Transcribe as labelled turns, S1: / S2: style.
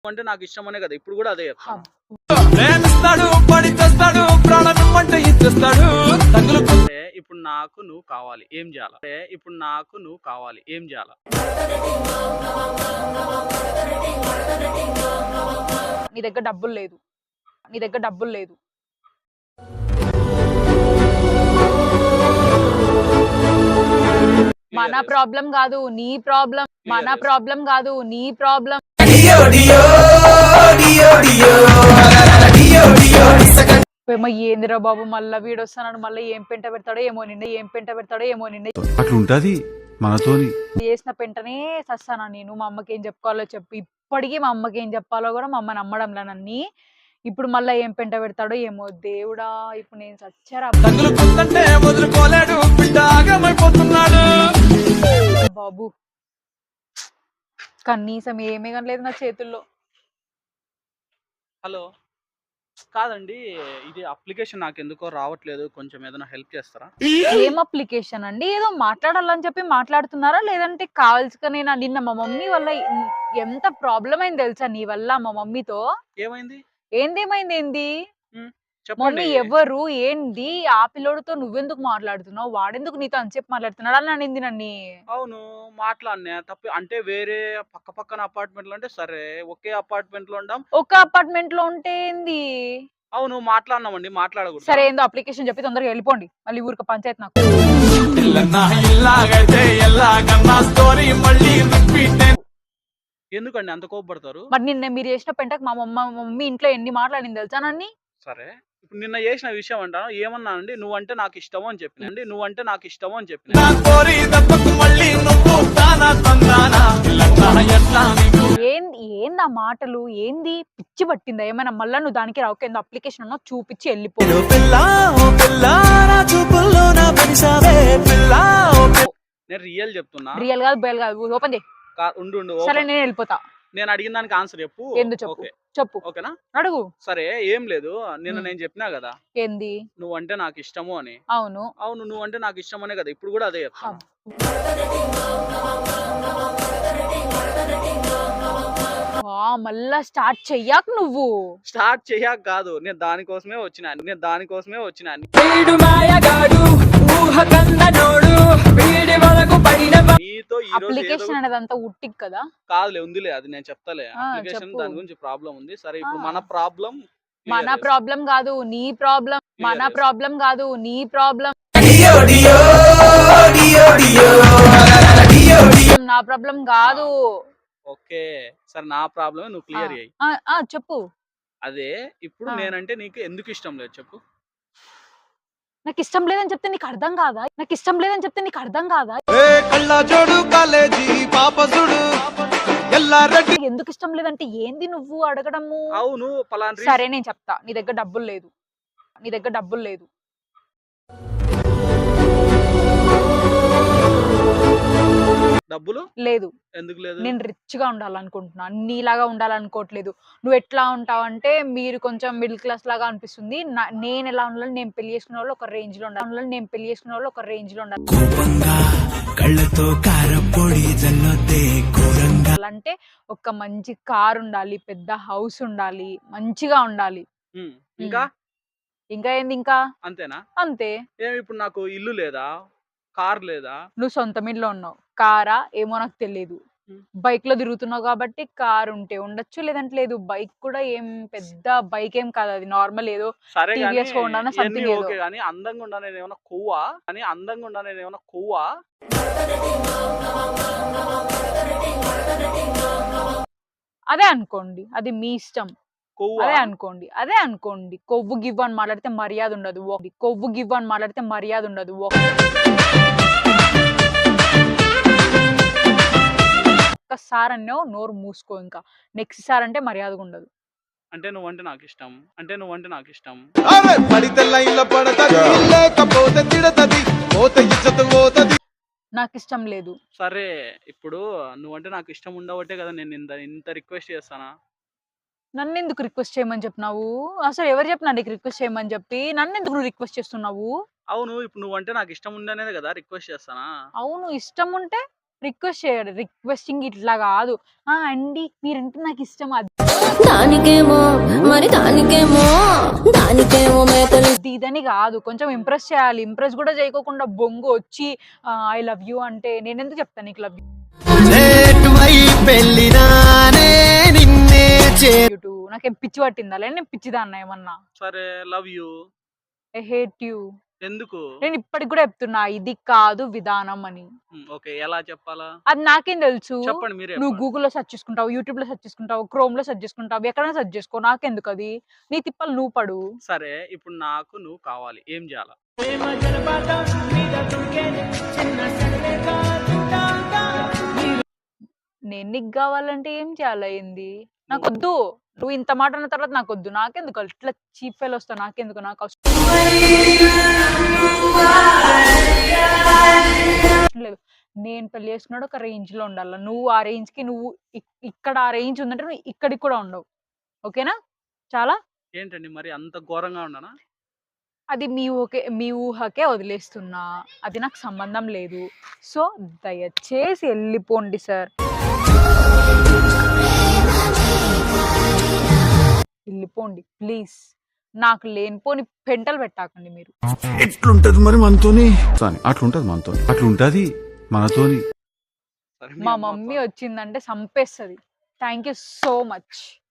S1: అంటే నాకు ఇష్టం అనే కదా ఇప్పుడు కూడా అదే చెప్తాను. ఇప్పుడు నాకు నువ్వు కావాలి ఏం చేయాలా? ఇప్పుడు నాకు నువ్వు కావాలి ఏం చేయాలా?
S2: నీ దగ్గర డబ్బులు లేదు, నీ దగ్గర డబ్బులు లేదు. మన ప్రాబ్లం కాదు నీ ప్రాబ్లం, మన ప్రాబ్లం కాదు నీ ప్రాబ్లం. ఏందిరా బాబు మళ్ళా వీడు వస్తాను మళ్ళీ ఏం పెంట పెడతాడో ఏమో నిన్న, ఏం పెంట పెడతాడో ఏమో నిన్న.
S3: అట్లుంటది మనతోని.
S2: చేసిన పెంటనే సస్తానా నేను. మా అమ్మకి ఏం చెప్పుకోవాలో చెప్పి ఇప్పటికీ మా అమ్మకి ఏం చెప్పాలో కూడా మా అమ్మ నమ్మడంలా నన్ని. ఇప్పుడు మళ్ళీ ఏం పెంట పెడతాడో ఏమో దేవుడా. ఇప్పుడు నేను సచ్చారా బాబు, కనీసం ఏమీ కనలేదు నా చేతుల్లో.
S1: హలో, కాదండి ఇది అప్లికేషన్ నాకు ఎందుకో రావట్లేదు, కొంచెం ఏదైనా హెల్ప్ చేస్తారా?
S2: ఏం అప్లికేషన్ అండి? ఏదో మాట్లాడాలని చెప్పి మాట్లాడుతున్నారా, లేదంటే కావాల్సిన నిన్న మా మమ్మీ వల్ల ఎంత ప్రాబ్లం అయింది తెలుసా నీ వల్ల? మా మమ్మీతో
S1: ఏమైంది?
S2: ఏందేమైంది? ఏంది
S1: చెప్పండి.
S2: మమ్మీ ఎవరు ఏంది? ఆ పిల్లోడితో నువ్వెందుకు మాట్లాడుతున్నావు, వాడెందుకు నీతో అంతసేపు మాట్లాడుతున్నాడు అని అనింది నన్ను.
S1: అవును మాట్లాడినా తప్పి అంటే వేరే పక్క పక్కన అపార్ట్మెంట్ లో అంటే సరే, ఒకే అపార్ట్మెంట్ లో ఉండం.
S2: ఒక అపార్ట్మెంట్ లో ఉంటే ఏంది?
S1: అవును మాట్లాడినామండి, మాట్లాడకూడదు.
S2: సరే ఏందో అప్లికేషన్ చెప్పి తొందరగా వెళ్ళిపోండి, మళ్ళీ ఊరికి పంచాయతీ నాకు.
S1: ఎందుకండి అంత కోపడతారు?
S2: మరి నిన్న మీరు చేసిన పెంటకు మా మమ్మీ ఇంట్లో ఎన్ని మాట్లాడింది తెలుసా నన్ని?
S1: సరే ఇప్పుడు నిన్న చేసిన విషయం అంటాను ఏమన్నానండి? నువ్వంటే నాకు ఇష్టము అని చెప్పినండి, నువ్వంటే నాకు ఇష్టము అని చెప్పిన.
S2: ఏంది ఆ మాటలు? ఏంది పిచ్చి పట్టిందా ఏమైనా? మళ్ళా నువ్వు దానికి రావు అప్లికేషన్ అన్నా చూపించి వెళ్ళిపో.
S1: నేను రియల్ చెప్తున్నా.
S2: రియల్ కాదు బయల్ కాదు, ఓపెన్ చేయి.
S1: ఉండు
S2: సరే నేను వెళ్ళిపోతా.
S1: నేను అడిగిన దానికి ఆన్సర్ చెప్పు.
S2: ఏందో చెప్పు, చెప్పు.
S1: ఓకేనా?
S2: అడుగు.
S1: సరే ఏం లేదు, నిన్న నేను చెప్పినా కదా
S2: ఏంది?
S1: నువ్వంటే నాకు ఇష్టము అని.
S2: అవును
S1: అవును నువ్వంటే నాకు ఇష్టం అనే కదా ఇప్పుడు కూడా అదే చెప్తాను.
S2: మళ్ళా స్టార్ట్ చెయ్యాక నువ్వు.
S1: స్టార్ట్ చెయ్యాక కాదు, నేను దానికోసమే వచ్చినా. నీతో ఈ రోజు
S2: అప్లికేషన్ అనేది అంతా ఉట్టిక్ కదా?
S1: కాదులే, ఉందిలే, అది నేను చెప్తాలే. అప్లికేషన్ దాని గురించి ప్రాబ్లం ఉంది. సరే ఇప్పుడు మన ప్రాబ్లం
S2: కాదు నీ ప్రాబ్లం, మన ప్రాబ్లం కాదు నీ ప్రాబ్లం, నా ప్రాబ్లం కాదు.
S1: ఓకే సరే, నా ప్రాబ్లమే నువ్వు క్లియర్ అయ్యి
S2: చెప్పు.
S1: అదే ఇప్పుడు నేనంటే నీకు ఎందుకు ఇష్టం లేదు చెప్పు.
S2: నాకు ఇష్టం లేదని చెప్తే నీకు అర్థం కాదా? నాకు ఇష్టం లేదని చెప్తే నీకు అర్థం కాదా? ఎందుకు ఇష్టం లేదంటే ఏంది నువ్వు అడగడము?
S1: అవును
S2: సరే నేను చెప్తా. నీ దగ్గర డబ్బులు లేదు, నీ దగ్గర డబ్బులు లేదు.
S1: డబ్బులు
S2: లేదు.
S1: ఎందుకు లేదు?
S2: నేను రిచ్ గా ఉండాలనుకుంటున్నా, నీలాగా ఉండాలనుకోవట్లేదు. నువ్వు ఎట్లా ఉంటావు అంటే మీరు కొంచెం మిడిల్ క్లాస్ లాగా అనిపిస్తుంది. నేను ఎలా ఉండాలి, నేను పెళ్లి చేసుకునే వాళ్ళు ఒక రేంజ్ లో ఉండాలి, నేను పెళ్లి చేసుకునే వాళ్ళు ఒక రేంజ్ లో ఉండాలి. అంటే ఒక మంచి కార్ ఉండాలి, పెద్ద హౌస్ ఉండాలి, మంచిగా ఉండాలి.
S1: ఇంకా
S2: ఇంకా ఏంది? ఇంకా
S1: అంతేనా?
S2: అంతే.
S1: ఏమి ఇప్పుడు నాకు ఇల్లు లేదా, కార్ లేదా?
S2: నువ్వు సొంత ఇంట్లో ఉన్నావు, కారా ఏమో నాకు తెలియదు. బైక్ లో తిరుగుతున్నావు కాబట్టి కార్ ఉంటే ఉండొచ్చు, లేదంటే లేదు. బైక్ కూడా ఏం పెద్ద బైక్ ఏం కాదు, అది నార్మల్ ఏదో టీవీఎస్ హోండా సంథింగ్ ఏదో.
S1: కానీ అందంగా ఉండా నేను ఏమైనా కొవ్వా?
S2: అదే అనుకోండి, అది మీ ఇష్టం. అదే అనుకోండి. కొవ్వు గివ్వు అని మాట్లాడితే మర్యాద ఉండదు. ఒక్కసారి అన్నో నోరు మూసుకో, ఇంకా నెక్స్ట్ సార్ అంటే మర్యాదగా ఉండదు.
S1: అంటే నువ్వంటే నాకు ఇష్టం.
S2: నాకు ఇష్టం లేదు.
S1: సరే ఇప్పుడు నువ్వంటే నాకు ఇష్టం ఉండవట్టే కదా నేను ఇంత రిక్వెస్ట్ చేస్తానా?
S2: నన్ను ఎందుకు రిక్వెస్ట్ చేయమని చెప్పినావు? అసలు ఎవరు చెప్పినా నీకు రిక్వెస్ట్ చేయమని చెప్పి? నన్ను ఎందుకు నువ్వు రిక్వెస్ట్ చేస్తున్నావు?
S1: అవును ఇప్పుడు నువ్వంటే నాకు ఇష్టం ఉండనేది కదా రిక్వెస్ట్ చేస్తానా?
S2: అవును ఇష్టం ఉంటే రిక్వెస్ట్ చేయడు. రిక్వెస్టింగ్ ఇట్లా కాదు. అండి మీరంటే నాకు ఇష్టం, అది
S4: దానికేమో మరి దానికేమో మేకలు
S2: ఇదని కాదు, కొంచెం ఇంప్రెస్ చేయాలి. ఇంప్రెస్ కూడా చేయకోకుండా బొంగు వచ్చి ఐ లవ్ యూ అంటే నేను ఎందుకు చెప్తాను నీకు లవ్ యూ. నాకేం పిచ్చి పట్టిందా? లేదు నేను పిచ్చిదాన్నా ఏమన్నా?
S1: సరే love you.
S2: I hate you.
S1: ఎందుకు?
S2: నేను ఇప్పటికి కూడా చెప్తున్నా ఇది కాదు విధానం అని.
S1: ఓకే, ఎలా చెప్పాలా?
S2: అది నాకేం తెలుసు?
S1: చెప్పండి మీరే.
S2: నువ్వు గూగుల్లో సెర్చ్ చేసుకుంటావు, యూట్యూబ్ లో సెర్చ్ చేసుకుంటావు, క్రోమ్ లో సెర్చ్ చేసుకుంటావు, ఎక్కడైనా సెర్చ్ చేసుకో, నాకెందుకు? అది నీ తిప్పలు నువ్వు పడు.
S1: సరే ఇప్పుడు నాకు నువ్వు కావాలి, ఏం చేయాలా?
S2: నేను నీకు కావాలంటే ఏం చేయాలా? ఏంది నాకొద్దు. నువ్వు ఇంత మాట అన్న తర్వాత నాకొద్దు. నాకెందుకు ఇట్లా చీప్ ఫెయిల్ వస్తావు? నాకెందుకు? నాకు అవసరం లేదు. నేను పెళ్లి చేసుకున్నాడు ఒక రేంజ్ లో ఉండాలి. నువ్వు ఆ రేంజ్ కి నువ్వు ఇక్కడ ఆ రేంజ్ ఉందంటే నువ్వు ఇక్కడికి కూడా ఉండవు. ఓకేనా? చాలా
S1: ఏంటండి మరి అంత ఘోరంగా ఉండనా?
S2: అది మీ ఊహకే వదిలేస్తున్నా. అది నాకు సంబంధం లేదు. సో దయచేసి వెళ్ళిపోండి సార్. వెళ్ళిపోండి ప్లీజ్. నాకు లేనిపోని పెంటలు పెట్టాకండి మీరు.
S3: ఎట్లుంటది మరి మనతోని? అట్లుంటది మనతోని, అట్లుంటది మనతోని.
S1: సరే
S2: మా మమ్మీ వచ్చిందంటే సంపేస్తుంది. Thank you so much.